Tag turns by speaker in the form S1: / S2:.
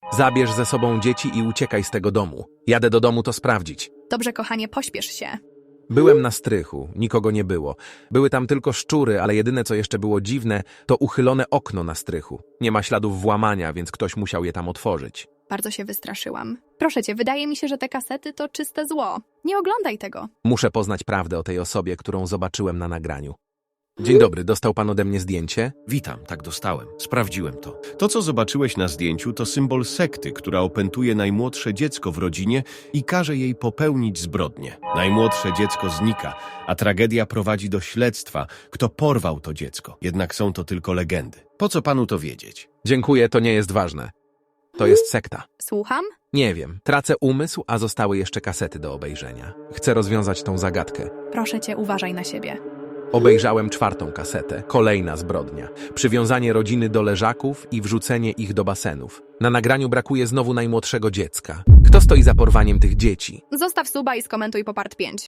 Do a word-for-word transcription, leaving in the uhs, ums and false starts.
S1: Zabierz ze sobą dzieci i uciekaj z tego domu. Jadę do domu to sprawdzić.
S2: Dobrze, kochanie, pośpiesz się.
S1: Byłem na strychu, nikogo nie było. Były tam tylko szczury, ale jedyne co jeszcze było dziwne, to uchylone okno na strychu. Nie ma śladów włamania, więc ktoś musiał je tam otworzyć.
S2: Bardzo się wystraszyłam. Proszę cię, wydaje mi się, że te kasety to czyste zło. Nie oglądaj tego.
S1: Muszę poznać prawdę o tej osobie, którą zobaczyłem na nagraniu. Dzień dobry, dostał pan ode mnie zdjęcie?
S3: Witam, tak dostałem. Sprawdziłem to. To, co zobaczyłeś na zdjęciu, to symbol sekty, która opętuje najmłodsze dziecko w rodzinie i każe jej popełnić zbrodnię. Najmłodsze dziecko znika, a tragedia prowadzi do śledztwa, kto porwał to dziecko. Jednak są to tylko legendy. Po co panu to wiedzieć?
S1: Dziękuję, to nie jest ważne. To jest sekta.
S2: Słucham?
S1: Nie wiem, tracę umysł, a zostały jeszcze kasety do obejrzenia. Chcę rozwiązać tą zagadkę.
S2: Proszę cię, uważaj na siebie.
S1: Obejrzałem czwartą kasetę. Kolejna zbrodnia. Przywiązanie rodziny do leżaków i wrzucenie ich do basenów. Na nagraniu brakuje znowu najmłodszego dziecka. Kto stoi za porwaniem tych dzieci?
S2: Zostaw suba i skomentuj po part pięć.